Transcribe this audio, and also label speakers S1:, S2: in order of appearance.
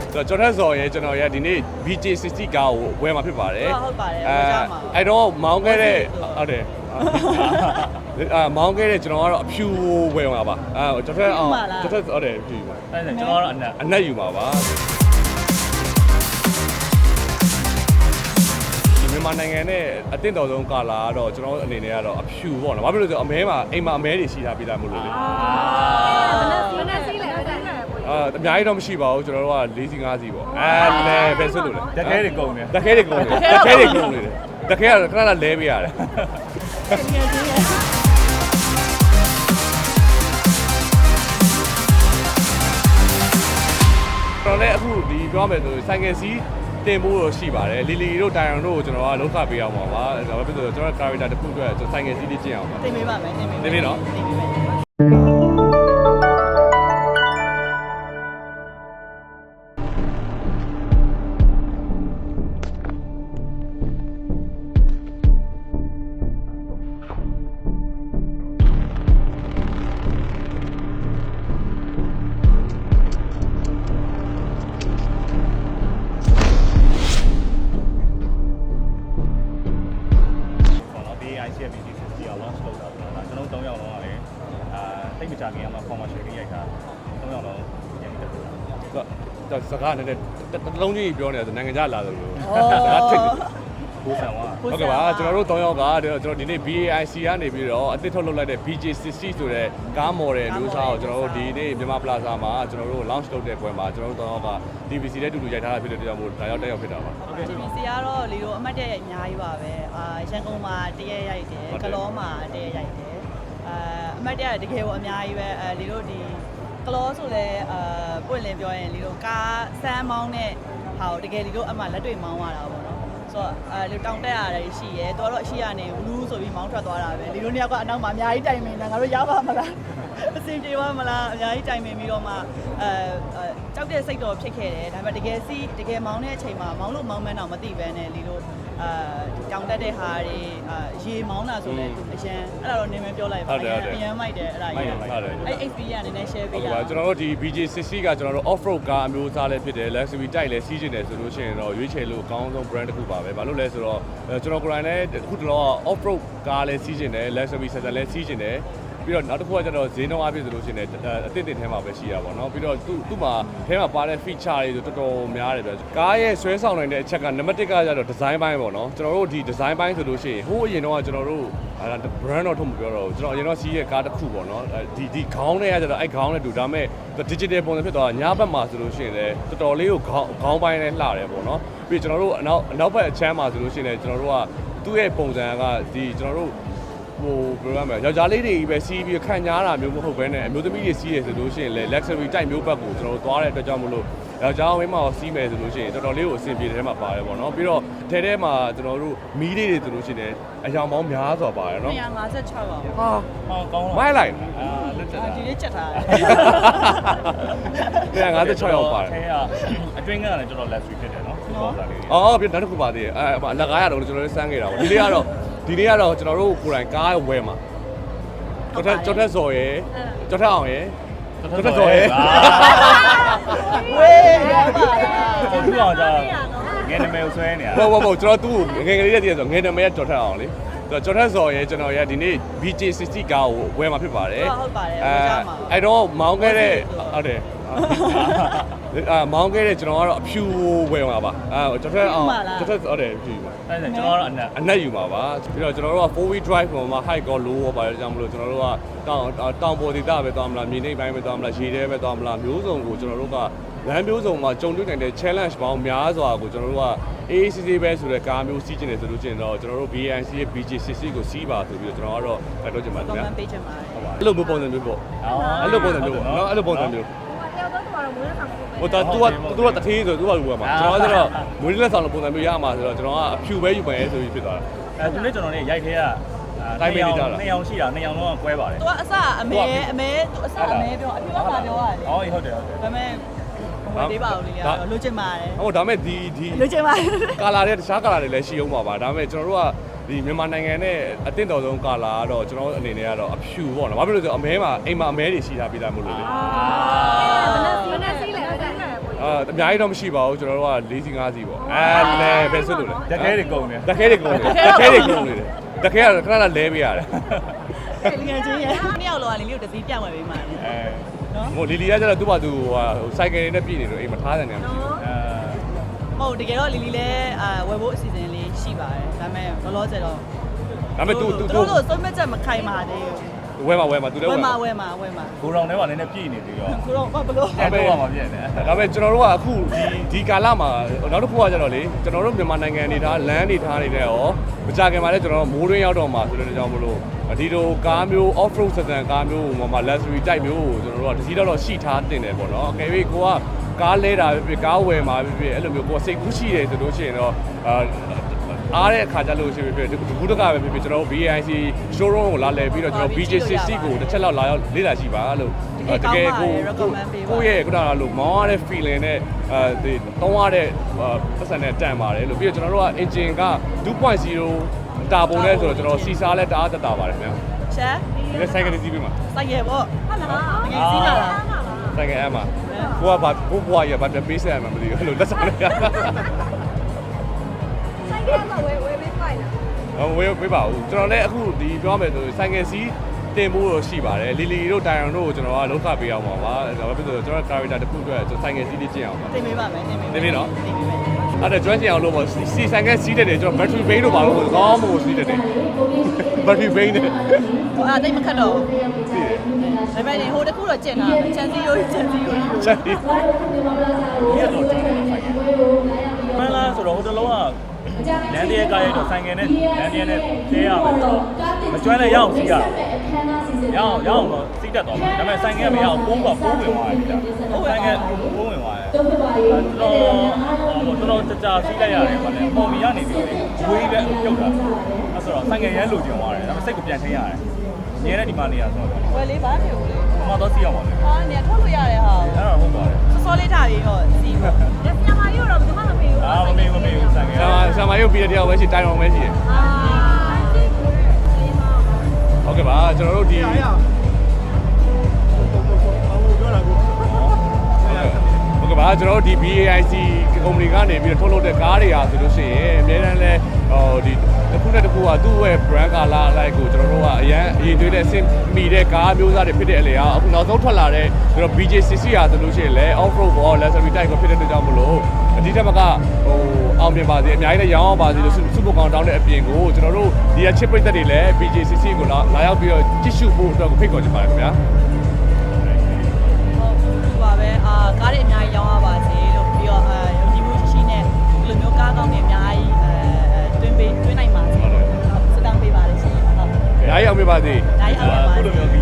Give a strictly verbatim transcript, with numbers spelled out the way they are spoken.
S1: ကျော်ထက်စော်ရဲ့ကျွန်တော်ရဲ့ဒီနေ့ B J ဆစ်ဆစ်ကားကိုဝယ်มาဖြစ်ပါတယ်
S2: ဟုတ်ပါတယ်
S1: အဲအဲ့တော့မောင်းခဲ့တဲ့ဟုတ်တယ်အာမောင်းခဲ့တဲ့ကျွန်တော်ကတော့အဖြူဝယ်มาပါအဲကျော်ထက်အောင်ကျော်ထက်ဟုတ်တယ်ဖြူပါ
S3: အဲ့ဒါကျွန်တော်ကတော့အနက်
S1: အနက်ယူมาပါမြန်မာနိုင်ငံနဲ့အသင့်တော်ဆုံးကာလာကတော့ကျွန်တော်အနေနဲ့ကတော့အဖြူပေါ့နော်။ဘာဖြစ်လို့လဲဆိုတော့အမဲမှာအိမ်မှာအမဲတွေရှိတာပြတာမို့လို့လေ။အာမနက်စီးလဲအဲ့ဒါအာအများကြီးတော့မရှိပါဘူးကျွန်တော်တို့က၄စီ၅စီပေါ့။အဲလဲပဲဆွတ်လို့လေ
S3: ။တခဲတွေကုန်တယ်
S1: ။တခဲတွေကုန်တယ်။တခဲတွေကုန်နေတယ်။တခဲကတော့ခဏခဏလဲပေးရတယ်။ကျွန်တော်လည်းအခုဒီပြောမယ်ဆိုဆိုင်ကယ်စီးတင်ဖို့ရှိပါတယ်လီလီတို့တိုင်အောင်တို့ကိုကျွန်တော်ကလောက်ခပေးအောင်ပါပါဒါပဲဖြစ်ဆိုကျွန်တော် character တစ်ခုအတွက်ကျွန်တော်ဆိုင်ငယ်စီးလေးကျင့်အောင်ပါ
S2: တင်ပေးပါမယ်တင်ပေး
S1: တင်ပေးနော်
S3: တိတ်မကြခင်ကမှ commercial လေးရိုက်တာသုံးယောက်လုံးရန်တက်တာ
S1: တော့စကားနဲ့တလုံးကြီးပြောနေတာဆိုနိုင်ငံခြားလာတယ်လို့
S3: ဒါထိတ်ကိုဆန်ဝါ
S1: ဟုတ်ကဲ့ပါကျွန်တော်တို့သုံးယောက်ကကျွန်တော်ဒီနေ့ B A I C ကနေပြီးတော့အသစ်ထုတ်လုပ်လိုက်တဲ့ B J ဆစ်ဆစ်ဆိုတဲ့ကားမော်ဒယ်မျိုးစားကိုကျွန်တော်တို့ဒီနေ့မြန်မာ Plaza မှာကျွန်တော်တို့ launch လုပ်တဲ့ပွဲမှာကျွန်တော်တို့သုံးယောက်က D V C နဲ့တူတူရိုက်ထားတာဖြစ်တဲ့ကြောင့်မို့ဒါရောက်တက်ရောက်ဖြစ်တာပါ
S2: ဟုတ်ကဲ့ D V C ကတော့လေတို့အမှတ်တရအများကြီးပါပဲအာရန်ကုန်မှာတရက်ရိုက်တယ်ကလောမှာတရက်ရိုက်တယ်အာအမှတ်တရတကယ်ကိုအများကြီးပဲအဲလေတို့ဒီကလောဆိုလဲအာပွင့်လင်းပြောရင်လေတို့ကားစမ်းမောင်းတဲ့ဟာကိုတကယ်လေတို့အမှလက်တွေ့မောင်းရတာပေါ့နော်ဆိုတော့အဲလေတောင်တက်ရတယ်ရှိရဲတော်တော့အရှိရနေဘူးဆိုပြီးမောင်းထွက်သွားတာပဲလေတို့နှစ်ယောက်ကအနောက်မှာအများကြီးတိုင်မင်နေတာငါတို့ရပါမလားအစင်ပြေပါမလားအများကြီးတိုင်မင်ပြီးတော့မှအဲကြောက်တဲ့စိတ်တော့ဖြစ်ခဲ့တယ်ဒါပေမဲ့တကယ်စီတကယ်မောင်းတဲ့အချိန်မှာမောင်းလို့မောင်းမှန်းတော့မသိဘဲနဲ့လေတို့အာတောင်တက်တဲ့ဟာတွေအာရေမောင်းတာဆိုလဲအရန်အဲ့ဒါတော့နင်းမပြောလိုက်ပါဘူးအရန်မိုက်တယ်အဲ့ဒါကြီးအဲ့ X P ကနည်းနည်း share ပေးရအောင်
S1: ကျွန်တော်တို့ဒီ B J ဆစ်ဆစ်ကကျွန်တော်တို့ off road ကားအမျိုးအစားလည်းဖြစ်တယ် luxury တိုက်လည်းစီးကျင်တယ်ဆိုလို့ရှိရင်တော့ရွေးချယ်လို့အကောင်းဆုံး brand တစ်ခုပါပဲဘာလို့လဲဆိုတော့ကျွန်တော်ကိုယ်တိုင်လည်းအခုတလော off road ကားလည်းစီးကျင်တယ် luxury ဆက်ဆက်လည်းစီးကျင်တယ်ပြီးတော့နောက်တစ်ခုကကျတော့ဈေးနှုန်းအပြည့်ဆိုလို့ရှိရင်အသင့်တင်ထဲမှာပဲရှိရပါတော့ပြီးတော့သူ့သူ့မှာထဲမှာပါတဲ့ feature တွေဆိုတော်တော်များတယ်ပဲကားရဲ့ဆွဲဆောင်နိုင်တဲ့အချက်ကနံပါတ်တစ်ကကျတော့ design ပိုင်းပေါ့နော်ကျွန်တော်တို့ဒီ design ပိုင်းဆိုလို့ရှိရင်ဟိုးအရင်တော့ကျွန်တော်တို့အဲ brand တော့ထုတ်မပြောတော့ဘူးကျွန်တော်အရင်တော့စီးရဲ့ကားတစ်ခုပေါ့နော်ဒီဒီခေါင်းနဲ့ကကျတော့အဲ့ခေါင်းနဲ့တူဒါပေမဲ့ digital ပုံစံဖြစ်သွားတာညဘက်မှာဆိုလို့ရှိရင်လည်းတော်တော်လေးကိုခေါင်းခေါင်းပိုင်းနဲ့လှတယ်ပေါ့နော်ပြီးကျွန်တော်တို့အနောက်အနောက်ဘက်အချမ်းမှာဆိုလို့ရှိရင်လည်းကျွန်တော်တို့ကသူ့ရဲ့ပုံစံကဒီကျွန်တော်တို့ဟိုဘယ်လိုလဲယောက်ျားလေးတွေပဲစီးပြီးခံညားတာမျိုးမဟုတ်ဘဲနဲ့အမျိုးသမီးတွေစီးရဆိုလို့ရှိရင်လည်း luxury type မျိုးဘက်ကိုကျွန်တော်တို့သွားတဲ့အတွက်ကြောင့်မလို့ယောက်ျားဝင်းမှာစီးမယ်ဆိုလို့ရှိရင်တော်တော်လေးကိုအဆင်ပြေတဲ့ထဲမှာပါတယ်ပေါ့နော်ပြီးတော့ထဲထဲမှာကျွန်တော်တို့မီးလေးတွေဆိုလို့ရှိရင်အယောင်ပေါင်းများစွာပါတယ်နော်
S2: two fifty-sixပါ
S1: ဟာ
S3: ဟောကောင်းလား
S1: မိုင်းလိုက်
S3: အာလက်ချက်
S2: ဒီလေးချက်ထား
S1: တယ်two fifty-sixရောက်ပါတယ်
S3: အဲအတွင်းကလည်းတော်တော် luxury ဖြစ်တယ်နော်ဟုတ်ပါလေး
S1: အော်ပြီးနောက်တစ်ခုပါသေးတယ်အဲလက်ကားရတော့ကျွန်တော်တို့စမ်းခဲ့တာပေါ့ဒီလေးကတော့ဒီနေ့ကတော့ကျွန်တော်တို့ကိုယ်တိုင်ကားဝယ်မှာကျော်ထက်ကျော်ထက်စော်ရယ်ကျော်ထက်အောင်ရယ်ကျော်ထက်စော်ရယ်
S2: ဝေးရပါ
S3: လားသူ့အောင်ကြာငယ်နမဲကိုဆွဲနေတာ
S1: ဟုတ်ဟုတ်ဟုတ်ကျွန်တော်သူ့ကိုငယ်ငယ်လေးတည်းဆိုငယ်နမဲကျော်ထက်အောင်လေကျော်ထက်စော်ရယ်ကျွန်တော်ရဒီနေ့ B J ဆစ်ဆစ်ကားကိုဝယ်မှာဖြစ်ပါတယ်
S2: ဟုတ်ပါတယ်
S1: အဲအဲ့တော့မောင်းခဲ့တဲ့ဟုတ်တယ်အာမောင်းခဲ့တဲ့ကျွန်တော်ကတော့အဖြူဝယ်မှာပါအဲကျော်ထက်အောင်ကျော်ထက်ဟုတ်တယ်ဖြူပါ
S3: အဲ့ဒါကျွန်တော်ကတော့အနက်
S1: အနက်ယူမှာပါပြီးတော့ကျွန်တော်တို့က four wheel drive ပေါ်မှာ high ကော low ရောပါတယ်ကြောင့်မလို့ကျွန်တော်တို့ကတောင်တောင်ပေါ်ဒေသပဲသွားမလားမြေနိမ့်ပိုင်းပဲသွားမလားရေထဲပဲသွားမလားမျိုးစုံကိုကျွန်တော်တို့ကလမ်းမျိုးစုံမှာကြုံတွေ့နိုင်တဲ့ challenge ပေါင်းများစွာကိုကျွန်တော်တို့က A A C C ပဲဆိုတဲ့ကားမျိုးစီးကျင်နေဆိုလို့ကျင်တော့ကျွန်တော်တို့ B A I C ရဲ့ B J ဆစ်ဆစ်ကိုစီးပါဆိုပြီးတော့ကျွန်တော်ကတော့ဖတ်တော့ချင်ပါတယ်ဗျာ
S2: comment page မှာ
S1: ဟုတ်ပါအဲ့လိုမျိုးပုံစံမျိုးပေါ့အဲ့လိုပုံစံမျိုးပေါ့နော်အဲ့လိုပုံစံမျိုးဟိုတာ तू က तू ကတထေးဆို तू ကလူကမှာကျွန်တော်ကတော့မွေးလက်ဆောင်လိုပုံစံမျိုးရမှာဆိုတော့ကျွန်တော်ကအဖြူပဲယူမယ်ဆိုပြီးဖြစ်သွားတာ
S3: အဲသူနဲ့ကျွန်တော်နဲ့ရိုက်ခဲက
S1: တိုင်းပေးကြတာ
S3: နှစ်ယောက်ရှိတာနှစ်ယောက်လုံးကကွဲပါတယ်
S2: ။ तू အစအမဲအမဲ तू အစအမဲပြောအဖြူကမှာပြောရတယ်
S3: ။ဟုတ်ဟုတ်တယ်ဟုတ်တယ်
S2: ။ဒါပေမဲ့ဟိုသေးပါဦးလေ။လိုချင်ပါတယ်
S1: ။ဟုတ်ဒါပေမဲ့ဒီဒီ
S2: လိုချင်ပါတယ်
S1: ။ကာလာတွေတခြားကာလာတွေလည်းရှိအောင်ပါပါ။ဒါပေမဲ့ကျွန်တော်တို့ကဒီမြန်မာနိုင်ငံနဲ့အသင့်တော်ဆုံးကာလာကတော့ကျွန်တော်အနေနဲ့ကတော့အဖြူပေါ့နော်။ဘာဖြစ်လို့လဲဆိုတော့အမဲမှာအိမ်မှာအမဲတွေရှိတာပြတာမို့လို့လေ။အာမနက်စီးလဲအဲ့ဒါအာအများကြီးတော့မရှိပါဘူးကျွန်တော်တို့က၄စီ၅စီပေါ့အဲလဲပဲဆွတ်လို့လေ
S3: တကယ်တွေကုန်နေ
S1: တခဲတွေကုန်တယ်တခဲတွေကုန်နေတယ်တခဲကတော့ခဏခဏလဲပေးရတယ်
S2: လီငယ်ချင်းရဲ့နှစ်ယောက်လောကလီလီကိုတစ်စီးပြန့်ဝယ်ပေးမှာလေ
S3: အဲ
S2: နော်
S1: ဟိုလီလီကကျတော့သူ့ဘာသူဟိုစိုက်ကယ်နဲ့ပြည်နေလို့အိမ်မထားတယ်နေမှာ
S3: အဲ
S2: ဟုတ်တကယ်တော့လီလီလည်းအာဝယ်ဖို့အစီအစဉ်လေးရှိပါတယ်ဒါပေမဲ့လောလောဆယ်တော့
S1: ဒါပေမဲ့ तू तू
S2: တို့လို့သုံးမဲ့ချက်မခိုင်ပါသေးဘူး
S1: ဝဲမှာဝဲမှာ तू လည်း
S2: ဝ
S1: ဝဲ
S2: ယ်
S1: မှာ
S2: မှာဝယ်မှာဝယ်မှာ
S3: ကိုရောင်ထဲမှာလည်းနည်းနည်းပြည့်နေပြီးတော့
S2: ခုတော့ဘာဘလို့
S3: အဲ့တော့မှပြည့်နေ
S1: ဒါပေမဲ့ကျွန်တော်တို့ကအခုဒီဒီကာလမှာနောက်တစ်ခုကကျတော့လေကျွန်တော်တို့မြန်မာနိုင်ငံအနေထားလမ်းနေထားနေတဲ့ရောမကြခင်မှာလည်းကျွန်တော်တို့မိုးတွင်းရောက်တော့မှာဆိုတဲ့ကြောင့်မလို့ဒီလိုကားမျိုး off road စတဲ့ကားမျိုးဟိုမှာ luxury type မျိုးကိုကျွန်တော်တို့ကတစ်စီးတော့ရှိထားတင်တယ်ပေါ့နော်အကယ်၍ကိုကကားလဲတာဖြစ်ဖြစ်ကားဝယ်မှာဖြစ်ဖြစ်အဲ့လိုမျိုးကိုကစိတ်ကူးရှိတယ်ဆိုလို့ရှိရင်တော့အာအားတဲ့အခါကျလို့ရှိဖြစ်ဖြစ်ဒီကူတကပဲဖြစ်ဖြစ်ကျွန်တော်တို့ B I C showroom ကိုလာလဲပြီးတော့ကျွန်တော် B J C C ကိုတစ်ချက်လောက်လာရောက်လေ့လာကြည့်ပါလို့တကယ်ကိုကိုရဲ့ခုနကလို့မောင်းရတဲ့ feeling နဲ့အဲဒီတောင်းရတဲ့ပတ်စံနဲ့တန်ပါတယ်လို့ပြီးတော့ကျွန်တော်တို့က engine က two point zero တာပုံလဲဆိုတော့ကျွန်တော်စီစားလဲတအားတက်တာပါတယ်ခင်ဗျာ
S2: ရှာ
S1: ဒီဆိုင်ကလေးစီးပြီးမှာ
S2: စိုက်ရပေါ့ဟုတ်လားငယ်စီးလာလား
S1: ဆိုင်ကအဲ့မှာကိုကဘာဘိုးဘွားရဘာပြန်ပေးဆက်ရမှာမသိဘူးအဲ့လိုလက်ဆောင်လေးရ
S4: ဆိုင်ကမှာဝယ်ဝယ်ပေးဖိုင်လား
S1: ဟိုဝေးပေးပါဦးကျွန်တော်လည်းအခုဒီပြောမယ်ဆိုဆိုင်ကယ်စီးတင်ဖို့တော့ရှိပါတယ်လီလီတို့တိုင်အောင်တို့ကိုကျွန်တော်ကလောက်ခပေးအောင်ပါပါဒါပဲဖြစ်ဆိုကျွန်တော် character တစ်ခုအတွက်ကျွန်တော်ဆိုင်ကယ်စီးလေးကျင့်အောင်ပါ
S2: တင်ပေးပါမယ်တင်ပေး
S1: တင်ပေးနော်
S2: တင်ပေးမယ်
S1: အဲ့ဒါကျွမ်းကျင်အောင်လို့ပေါ့စီဆိုင်ကယ်စီးတဲ့တယ်ကျွန်တော် battery bank တို့ပါလို့ကောင်းမို့စီးတဲ့တယ် battery bank နဲ့
S2: ဟိုအဲ့တိတ်မခတ်တော့
S1: စီးတယ်
S2: ဒါပေမဲ့ဟိုတခုတော့ကျင်တာချန်စီရိုးချန်စီရိုး
S1: ချက်ပြီး
S3: ဒီတော့ကျန်တယ်ဆိုင်ကမလားဆိုတော့ဟိုတလုံးကလမ်းတရကားရိုက်တော့ဆိုင်ကနဲ့လမ်းတရနဲ့ကျဲရမယ်မကျွမ်းလည်းရအောင်စီးရရအောင်ရအောင်တော့စီးတတ်တော့မှာဒါပေမဲ့ဆိုင်ကမရအောင်ပိုးကပိုးဝင်သွားတယ်ဒါဆိုင်ကပိုးဝင်သွားတယ်တော်တော်တော်ကြာစီးလိုက်ရတယ်ဗာလေပုံမီရနေပြီဝေးပဲပြုတ်တာအဲ့ဆိုတော့ဆိုင်ကရဲလိုချင်သွားတယ်ဒါပေမဲ့စိတ်ကိုပြန်ထင်းရတယ်ညနေဒီမှာနေရဆိုတော့
S2: ဝယ်လေးပါဖြစ်ဦးလေ
S3: အမတော့စီးအောင်ပါလေ
S2: ဟာနေထုတ်လို့ရတယ်ဟာ
S3: အဲ့တော့ဟုတ်ပါတယ်
S2: စောစောလေးထားပြီးတော့စီးပေါ့
S4: ဒါပြန်มาရုပ်တော့ဘယ်မှမပေးဘူး
S3: အာမမေးမမေးဘူးဆိုင်က
S1: ဆာမဆာမရုပ်ပြီးတဲ့တယောက်ပဲရှိတိုင်အောင်ပဲရှိတယ်
S4: အာဒီကိုလေးမ
S1: ဟုတ်ကဲ့ပါကျွန်တော်တို့ဒီဟုတ်ကဲ့ပါကျွန်တော်တို့ဒီ B A I C ကုမ္ပဏီကနေပြီးတော့ထုတ်လုပ်တဲ့ကားတွေဟာဆိုလို့ရှိရင်အများတန်းလဲဟိုဒီတစ်ခုနဲ့တစ်ခုကသူ့ရဲ့ brand color လိုက်ကိုကျွန်တော်တို့ကအရန်အရင်သွေးတဲ့အဆင့်မီတဲ့ကားမျိုးစားတွေဖြစ်တဲ့အလေဟာအခုနောက်ဆုံးထွက်လာတဲ့ကျွန်တော် B J C C ဟာဆိုလို့ရှိရင်လဲ off road ဘော luxury type ကိုဖြစ်တဲ့အတွက်ကြောင့်မလို့အဒီထက်မကဟိုအောင်မြင်ပါစေအများကြီးလည်းရောင်းအောင်ပါစေလို့စုစုပေါင်းတောင်းတဲ့အပြင်ကိုကျွန်တော်တို့ဒီက chip ပိတ်သက်တွေလည်း B J C C ကိုလာလာရောက်ပြီးတော့ကြည့်ရှုဖို့အတွက်ကိုဖိတ်ခေါ်ချင်ပါတယ်ခင်ဗျာ
S2: ဟုတ်ဒီပါပဲအာကားတွေအများကြီးရောင်းရပါစေလို့ပြီးတော့အာယုံကြည်မှုရှိရှိနဲ့ဒီလိုမျိုးကားကောင်းတွေအများကြီးအဲတွင်းပေးတွင်းနိုင်ပါစေလို့စတောင်းပေးပါလေရှင်ဟုတ်
S1: ။အားရအောင်ပြပါစေ
S2: ဒါရအောင်ပါ
S3: အခုလိုမျိုး B